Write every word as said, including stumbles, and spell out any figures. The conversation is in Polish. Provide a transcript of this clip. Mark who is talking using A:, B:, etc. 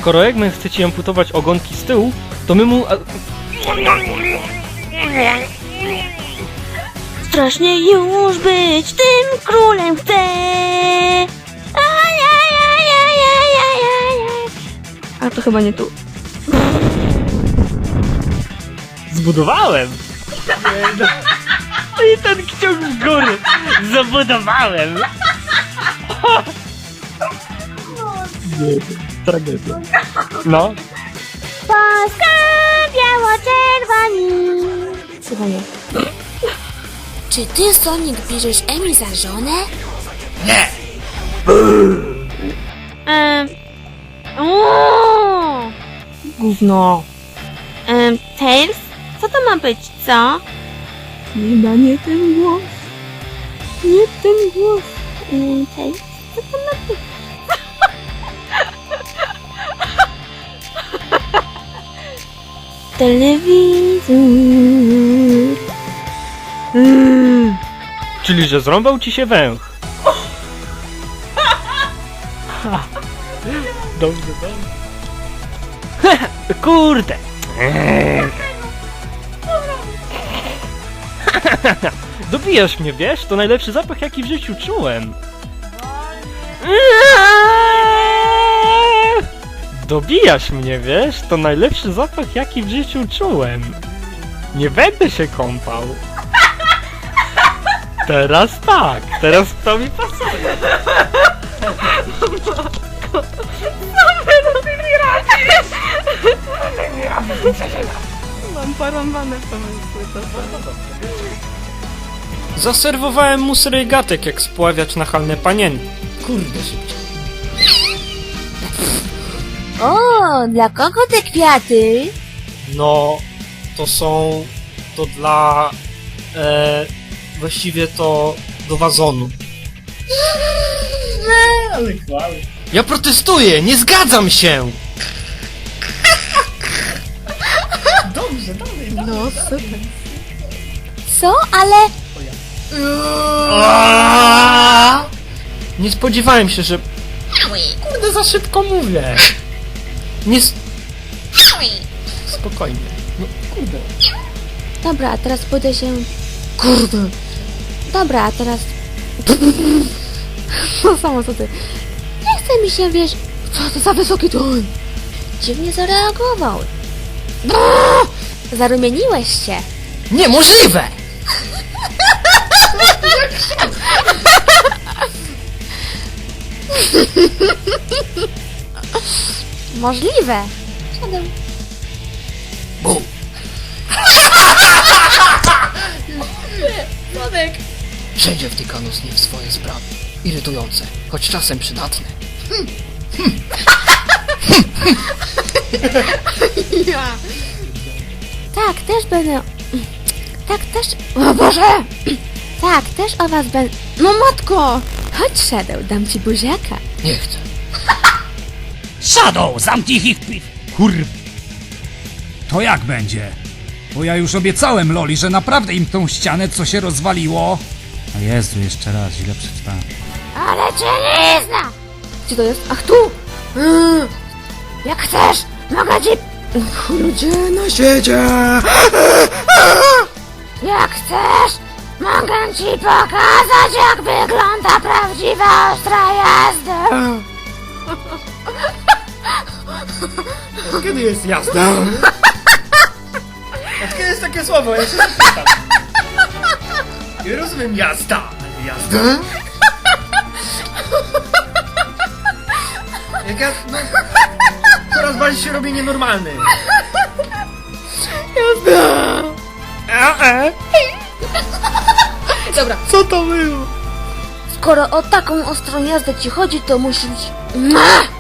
A: skoro Eggman chce ci amputować ogonki z tyłu, to my mu...
B: Strasznie już być tym królem chcę. Ajajajajajajaj. A to chyba nie tu.
A: Zbudowałem! I ten kciuk w górę! Zabudowałem! Nie, tragedia. No.
B: Polska biało-czerwoni. Chyba nie. Czy ty, Sonic, bierzesz Emi za żonę?
C: Nie!
B: Ehm... Uuuu! Gówno. Ehm, Tails? Co to ma być, co? Chyba nie ten głos. Nie ten głos. Ehm, Tails? Co to ma być? Telewizor.
A: Mm. Czyli, że zrąbał ci się węch. Ha. Dobrze, dobrze. Kurde. Dobijasz mnie, wiesz? To najlepszy zapach, jaki w życiu czułem. Dobijasz mnie, wiesz? To najlepszy zapach, jaki w życiu czułem. Nie będę się kąpał. Teraz tak, teraz to mi pasuje.
B: Mam porąbane pomysły.
D: Zaserwowałem mu srygatek, jak spławiać nachalne panienki. Kurde, szybciej.
B: O, dla kogo te kwiaty?
D: No, to są... to dla... E, właściwie to do wazonu.
C: Ale chwały.
D: Ja protestuję, nie zgadzam się!
C: Dobrze, dalej.
B: No, super. Co? Ale...
D: Nie spodziewałem się, że... Kurde, za szybko mówię. Nie... s- Spokojnie. No, kurde.
B: Dobra, a teraz pójdę się...
D: Kurde.
B: Dobra, a teraz... No samo co ty. Nie chce mi się, wiesz... Co to za wysoki ton? Dziwnie zareagował. Zarumieniłeś się.
D: Niemożliwe!
B: Możliwe. Siadam.
D: Bum.
B: Słodek.
D: Wszędzie wtykano z nie w swoje sprawy. Irytujące, choć czasem przydatne.
B: Ja. Tak, też będę... Tak, też... O Boże! Tak, też o was będę... No matko! Chodź, Shadow, dam ci buziaka.
D: Nie chcę.
C: Shadow, zamknij ich pi... Kurw. To jak będzie? Bo ja już obiecałem Loli, że naprawdę im tą ścianę, co się rozwaliło. A Jezu, jeszcze raz, źle przeczytałem.
B: Ale cię nie zna! Gdzie to jest? Ach, tu! Mm. Jak chcesz, mogę ci... Ludzie na świecie! Jak chcesz, mogę ci pokazać, jak wygląda prawdziwa ostra jazda!
D: Kiedy jest jazda? A kiedy jest takie słowo? Ja się zapytam. Nie rozumiem jazda. Jazda? Jak ja... No, coraz bardziej się robię nienormalny.
B: Jazda!
D: A, e?
B: Dobra.
D: Co to było?
B: Skoro o taką ostrą jazdę ci chodzi, to musisz... Mua!